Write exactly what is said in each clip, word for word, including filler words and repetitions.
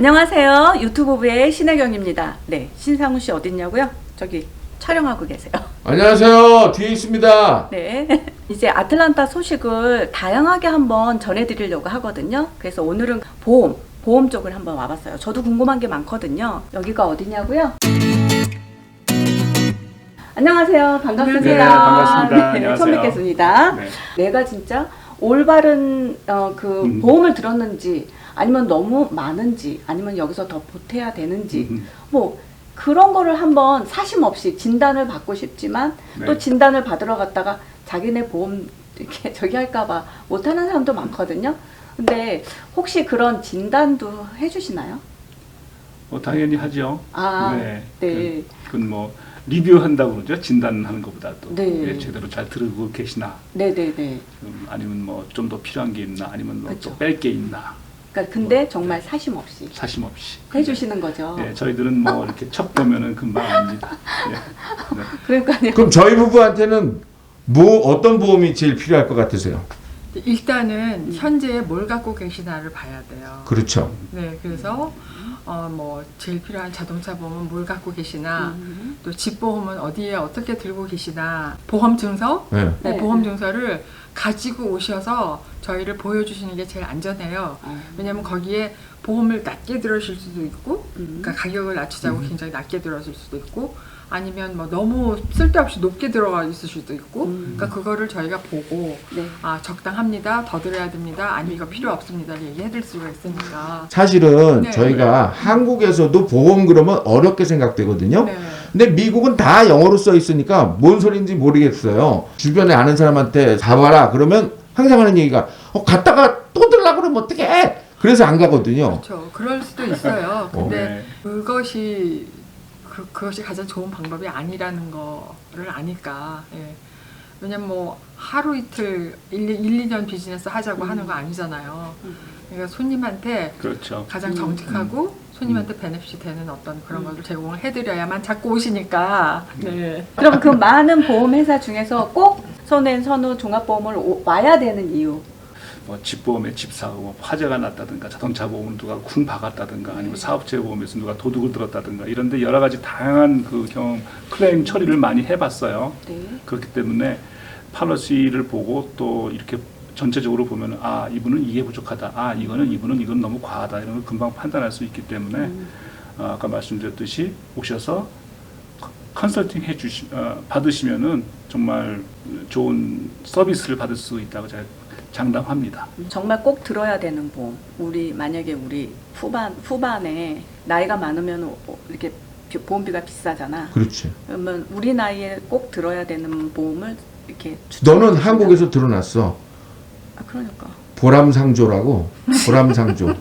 안녕하세요. 유튜브부의 신혜경입니다. 네, 신상훈 씨 어딨냐고요? 저기 촬영하고 계세요. 안녕하세요. 뒤에 있습니다. 네, 이제 아틀란타 소식을 다양하게 한번 전해드리려고 하거든요. 그래서 오늘은 보험, 보험 쪽을 한번 와봤어요. 저도 궁금한 게 많거든요. 여기가 어디냐고요? 안녕하세요. 반갑습니다. 네, 반갑습니다. 네, 안녕하세요. 처음 뵙겠습니다. 네. 내가 진짜 올바른 어, 그 음. 보험을 들었는지 아니면 너무 많은지 아니면 여기서 더 보태야 되는지 음. 뭐 그런 거를 한번 사심 없이 진단을 받고 싶지만 네. 또 진단을 받으러 갔다가 자기네 보험 이렇게 저기 할까봐 못하는 사람도 많거든요. 근데 혹시 그런 진단도 해주시나요? 뭐 당연히 하죠. 아, 네. 네. 그, 그건 뭐 리뷰한다고 그러죠. 진단하는 것보다도 네. 예, 제대로 잘 들고 계시나, 네네네. 음, 아니면 뭐 좀 더 필요한 게 있나, 아니면 뭐 그쵸. 또 뺄 게 있나, 그러니까 근데 뭐, 정말 네. 사심 없이 사심 없이 해주시는 거죠. 네, 저희들은 뭐 이렇게 첫 보면은 금방 압니다. 예. 네. 그러니까요. 그럼 저희 부부한테는 뭐 어떤 보험이 제일 필요할 것 같으세요? 일단은 현재 뭘 갖고 계시나를 봐야 돼요. 그렇죠. 네, 그래서 어 뭐 제일 필요한 자동차 보험은 뭘 갖고 계시나, 음. 또 집 보험은 어디에 어떻게 들고 계시나, 보험 증서, 네. 네, 네. 보험 증서를 가지고 오셔서 저희를 보여주시는 게 제일 안전해요. 어. 왜냐하면 거기에 보험을 낮게 들으실 수도 있고, 음. 그러니까 가격을 낮추자고 굉장히 낮게 들어줄 수도 있고, 아니면 뭐 너무 쓸데없이 높게 들어가 있을 수도 있고, 음. 그러니까 그거를 저희가 보고 네. 아 적당합니다, 더 들어야 됩니다, 아니면 이거 필요 없습니다 얘기해드릴 수가 있으니까. 사실은 네. 저희가 한국에서도 보험 그러면 어렵게 생각되거든요. 네. 근데 미국은 다 영어로 써 있으니까 뭔 소리인지 모르겠어요. 주변에 아는 사람한테 가봐라 그러면 항상 하는 얘기가 어, 갔다가 또 들라 그러면 어떡해? 그래서 안 가거든요. 그렇죠. 그럴 수도 있어요. 근데 네. 그것이 그, 그것이 가장 좋은 방법이 아니라는 거를 아니까. 예. 왜냐면 뭐 하루 이틀 일, 이 년 비즈니스 하자고 음. 하는 거 아니잖아요. 음. 그러니까 손님한테 그렇죠. 가장 음. 정직하고 손님한테 베네핏이 되는 어떤 그런 것을 제공을 해드려야만 자꾸 오시니까. 네. 그럼 그 많은 보험 회사 중에서 꼭 손엔 선우 종합보험을 오- 와야 되는 이유. 뭐 집보험에 집사고 뭐 화재가 났다든가, 자동차 보험은 누가 쿵 박았다든가, 아니면 사업체 보험에서 누가 도둑을 들었다든가, 이런데 여러 가지 다양한 그 경험 클레임 처리를 많이 해봤어요. 네. 그렇기 때문에 팔러시를 보고 또 이렇게 전체적으로 보면 아 이분은 이게 부족하다, 아 이거는 이분은 이건 너무 과하다, 이런 걸 금방 판단할 수 있기 때문에 음. 어, 아까 말씀드렸듯이 오셔서 컨설팅 해주시 어, 받으시면은 정말 좋은 서비스를 받을 수 있다고 제가 장담합니다. 정말 꼭 들어야 되는 보험. 우리 만약에 우리 후반 후반에 나이가 많으면 오- 이렇게 비- 보험비가 비싸잖아. 그렇지. 그러면 우리 나이에 꼭 들어야 되는 보험을 이렇게 추천해 너는 주신다. 한국에서 들어놨어. 아 그러니까. 보람상조라고. 보람상조.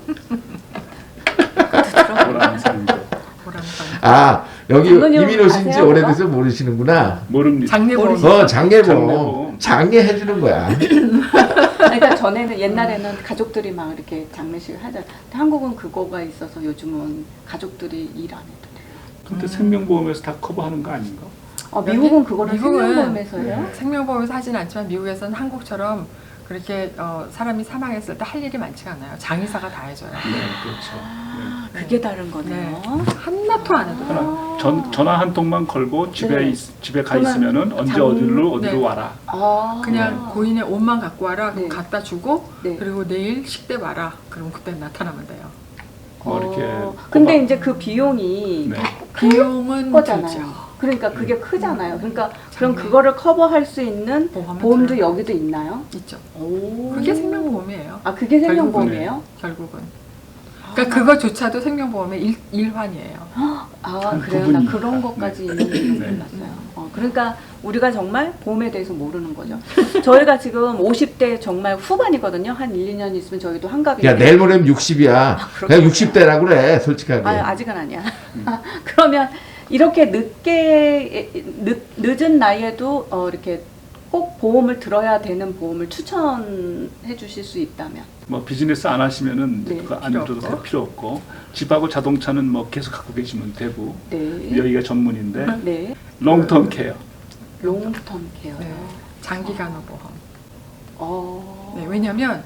보람상조. 보람상. 아 여기 장모님 이민 오신 지 아세요, 오래돼서 모르시는구나. 모릅니다. 장례보험. 어 장례보험. 장례보험. 장례 해주는 거야. 그러니까 전에는 옛날에는 가족들이 막 이렇게 장례식을 하잖아. 근데 한국은 그거가 있어서 요즘은 가족들이 일 안 해도 돼요. 근데 생명보험에서 다 커버하는 거 아닌가? 어, 미국은 그거를 미국은 생명보험에서 해요? 네. 생명보험에서 하진 않지만 미국에서는 한국처럼 그렇게 어, 사람이 사망했을 때 할 일이 많지가 않아요. 장의사가 다 해줘요. 네, 그렇죠. 아, 그게 다른 거네요. 한나토 안 해도 네. 돼요. 하나, 전, 전화 한 통만 걸고 집에 네. 있- 집에 가 그러면 있으면은 언제 장- 어디로 어디로 네. 와라. 아, 그냥 고인의 옷만 갖고 와라. 그럼 네. 갖다 주고 네. 그리고 내일 식대 와라. 그럼 그때 나타나면 돼요. 뭐 이렇게. 어, 근데 꼽아- 이제 그 비용이 네. 비용은 거잖아요. 들죠. 그러니까 그게 크잖아요. 그러니까 그럼 장례. 그거를 커버할 수 있는 보험은 보험도 들어요. 여기도 있나요? 있죠. 오. 그게 생명보험이에요. 아 그게 생명보험이에요? 결국은. 그러니까 그거조차도 생명보험의 일, 일환이에요. 아 한 그래요? 나 부분입니다. 그런 것까지 있는 줄 네. 몰랐어요. 어, 그러니까 우리가 정말 보험에 대해서 모르는 거죠. 저희가 지금 오십 대 정말 후반이거든요. 한 일, 이 년 있으면 저희도 한갑인데. 야 내일 모레면 육십이야. 그렇구나. 그냥 육십 대라 그래 솔직하게. 아, 아직은 아니야. 아, 그러면 이렇게 늦게 늦, 늦은 나이에도 어, 이렇게 꼭 보험을 들어야 되는 보험을 추천해 주실 수 있다면. 뭐 비즈니스 안 하시면은 네, 그거 안 필요 들어도 없고. 필요 없고, 집하고 자동차는 뭐 계속 갖고 계시면 되고, 네. 여기가 전문인데 네. 롱텀 케어. 롱텀 케어요. 네. 장기간호 보험. 어. 네, 왜냐하면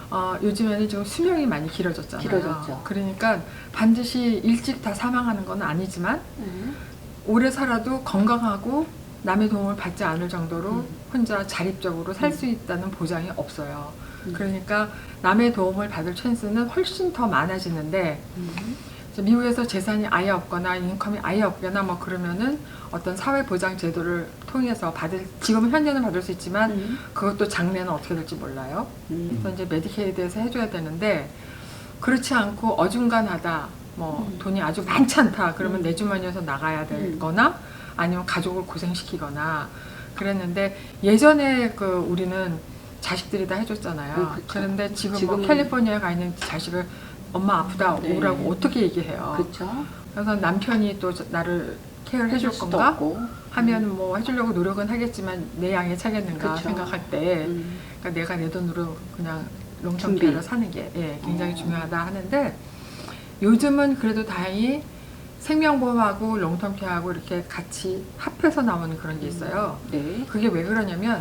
어, 요즘에는 좀 수명이 많이 길어졌잖아요. 길어졌죠. 그러니까 반드시 일찍 다 사망하는 건 아니지만 네. 오래 살아도 건강하고 남의 도움을 받지 않을 정도로 음. 혼자 자립적으로 살 수 음. 있다는 보장이 없어요. 음. 그러니까 남의 도움을 받을 찬스는 훨씬 더 많아지는데 음. 이제 미국에서 재산이 아예 없거나 인컴이 아예 없거나 뭐 그러면은 어떤 사회보장 제도를 통해서 받을 지금은 현재는 받을 수 있지만 음. 그것도 장래는 어떻게 될지 몰라요. 음. 그래서 이제 메디케이드에서 해줘야 되는데 그렇지 않고 어중간하다 뭐 음. 돈이 아주 많지 않다 그러면 음. 내 주머니에서 나가야 음. 되거나 아니면 가족을 고생시키거나 그랬는데 예전에 그 우리는 자식들이 다 해줬잖아요. 음, 그쵸. 그런데 지금 지금은- 뭐 캘리포니아에 가 있는 자식을 엄마 아프다 네. 오라고 어떻게 얘기해요. 그렇죠. 그래서 남편이 또 저- 나를 케어를 해줄 수도 건가 없고. 하면 뭐 해주려고 노력은 하겠지만 내 양에 차겠는가 그쵸. 생각할 때 음. 그러니까 내가 내 돈으로 그냥 롱텀 준비. 케어를 사는 게 예, 굉장히 어. 중요하다 하는데 요즘은 그래도 다행히 생명보험하고 롱텀 케어하고 이렇게 같이 합해서 나오는 그런 게 있어요. 네. 그게 왜 그러냐면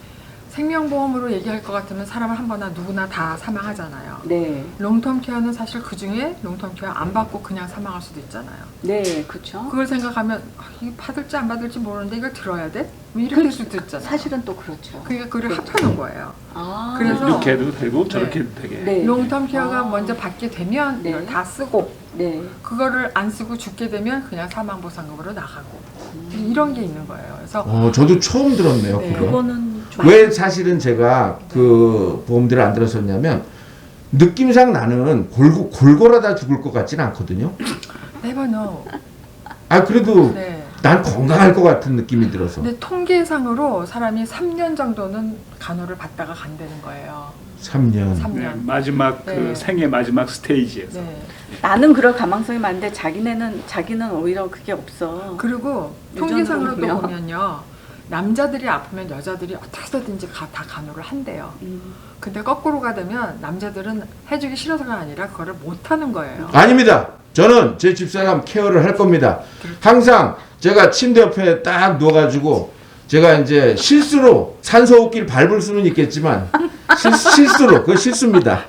생명보험으로 얘기할 것 같으면 사람은 한 번나 누구나 다 사망하잖아요. 네. 롱텀 케어는 사실 그 중에 롱텀 케어 안 받고 그냥 사망할 수도 있잖아요. 네, 그렇죠. 그걸 생각하면 아, 이거 받을지 안 받을지 모르는데 이걸 들어야 돼? 뭐 이렇게 될 수도 있잖아요. 사실은 또 그렇죠. 그러니까 그걸 그렇죠. 합하는 거예요. 아. 그래서- 이렇게 해도 되고 저렇게 네. 해도 되게. 네. 롱텀 케어가 아. 먼저 받게 되면 네. 이걸 다 쓰고 네. 그거를 안 쓰고 죽게 되면 그냥 사망보상금으로 나가고 음. 이런 게 있는 거예요. 그래서 어, 저도 처음 들었네요. 네. 그거. 그거는 좀 왜 사실은 제가 그 보험들을 안 들었었냐면 느낌상 나는 골고, 골골하다 죽을 것 같지는 않거든요. never know. 아 그래도 네. 난 건강할 것 같은 느낌이 들어서 근데 통계상으로 사람이 삼 년 정도는 간호를 받다가 간다는 거예요. 삼 년. 삼 네, 년. 마지막 그 네. 생의 마지막 스테이지에서. 네. 나는 그럴 가망성이 많은데 자기네는 자기는 오히려 그게 없어. 그리고 유전으로 통계상으로 또 보면. 보면요. 남자들이 아프면 여자들이 어떻게든지 가- 다 간호를 한대요. 음. 근데 거꾸로가 되면 남자들은 해주기 싫어서가 아니라 그거를 못하는 거예요. 아닙니다. 저는 제 집사람 케어를 할 겁니다. 항상 제가 침대 옆에 딱 누워가지고 제가 이제 실수로 산소호흡기를 밟을 수는 있겠지만 실, 실수로 그거 실수입니다.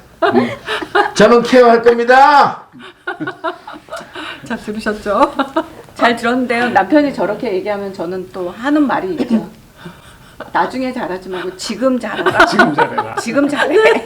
저는 케어할 겁니다. 자, 들으셨죠? 잘 들었는데요. 남편이 저렇게 얘기하면 저는 또 하는 말이 있죠. 나중에 잘하지 말고 지금 잘하라. 지금 잘해라. 지금 잘해.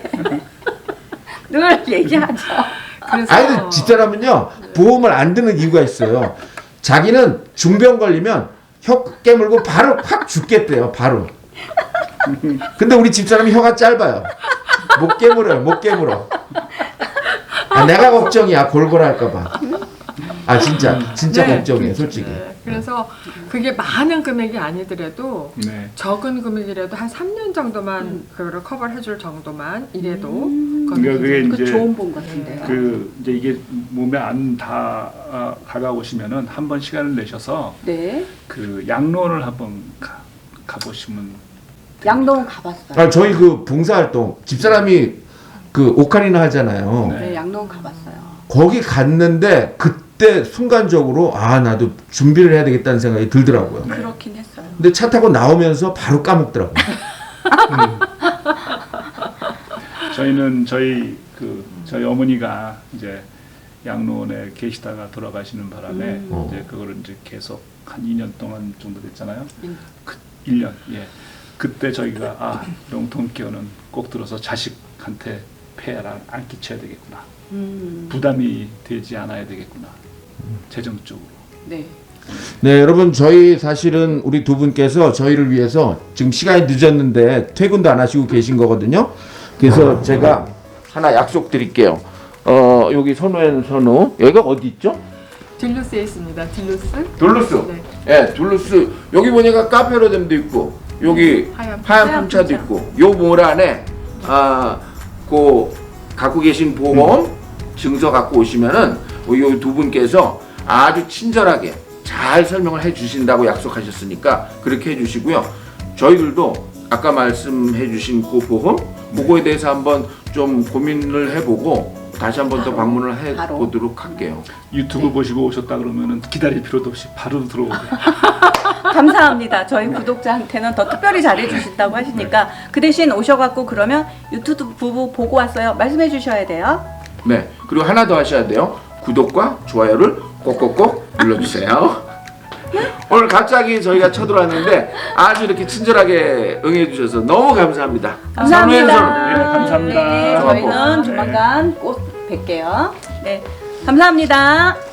늘 얘기하죠. 그래서 아니 집사람은요 보험을 안 드는 이유가 있어요. 자기는 중병 걸리면 혀 깨물고 바로 확 죽겠대요. 바로. 근데 우리 집사람이 혀가 짧아요. 못 깨물어요. 못 깨물어. 아, 내가 걱정이야. 골골할까봐. 아 진짜 진짜 네, 걱정이에요. 그렇죠. 솔직히. 네, 그래서 그게 많은 금액이 아니더라도 네. 적은 금액이라도 한 삼 년 정도만 그거를 커버를 해줄 정도만 이래도 음. 거기 그러니까 그게 그 이제 좋은 본 같은데요. 그 이제 이게 몸에 안 다 아, 다가오시면은 한 번 시간을 내셔서 네. 그 양로원을 한번 가, 가보시면 양동 가봤어요. 아 저희 그 봉사활동 집사람이 그 오카리나 하잖아요. 네. 네, 양동 가봤어요. 거기 갔는데 그때 순간적으로 아 나도 준비를 해야 되겠다는 생각이 들더라고요. 네. 그렇긴 했어요. 근데 차 타고 나오면서 바로 까먹더라고요. 저희는 저희 그 저희 어머니가 이제 양로원에 계시다가 돌아가시는 바람에 음. 이제 그거를 이제 계속 한 이 년 동안 정도 됐잖아요. 음. 그 일 년 예. 그때 저희가 아 롱텀 케어는 꼭 들어서 자식한테 폐해를 안 끼쳐야 되겠구나. 음. 부담이 되지 않아야 되겠구나. 재정적으로. 네. 네, 여러분 저희 사실은 우리 두 분께서 저희를 위해서 지금 시간이 늦었는데 퇴근도 안 하시고 계신 거거든요. 그래서 제가 하나 약속 드릴게요. 어, 여기 선우엔 선우. 여기가 어디 있죠? 딜루스에 있습니다. 딜루스. 둘루스. 네. 예, 둘루스. 여기 보니까 카페로뎀도 있고 여기 하얀 하얀 하얀 품차도 품차. 있고 요 몰 안에 아, 그 갖고 계신 보험 증서 갖고 오시면은 요 두 분께서 아주 친절하게 잘 설명을 해 주신다고 약속하셨으니까 그렇게 해 주시고요. 저희들도 아까 말씀해 주신 그 보험 그거에 대해서 한번 좀 고민을 해보고 다시 한번 더 바로, 방문을 해 바로. 보도록 할게요. 유튜브 보시고 오셨다 그러면은 기다릴 필요도 없이 바로 들어오게. 감사합니다. 저희 구독자한테는 더 특별히 잘해주신다고 하시니까 그 대신 오셔갖고 그러면 유튜브 부부 보고 왔어요. 말씀해 주셔야 돼요. 네. 그리고 하나 더 하셔야 돼요. 구독과 좋아요를 꼭꼭꼭 눌러주세요. 오늘 갑자기 저희가 쳐들어왔는데 아주 이렇게 친절하게 응해주셔서 너무 감사합니다. 감사합니다. 선우의 네, 감사합니다. 네, 저희는 조만간 꼭 뵐게요. 네, 감사합니다.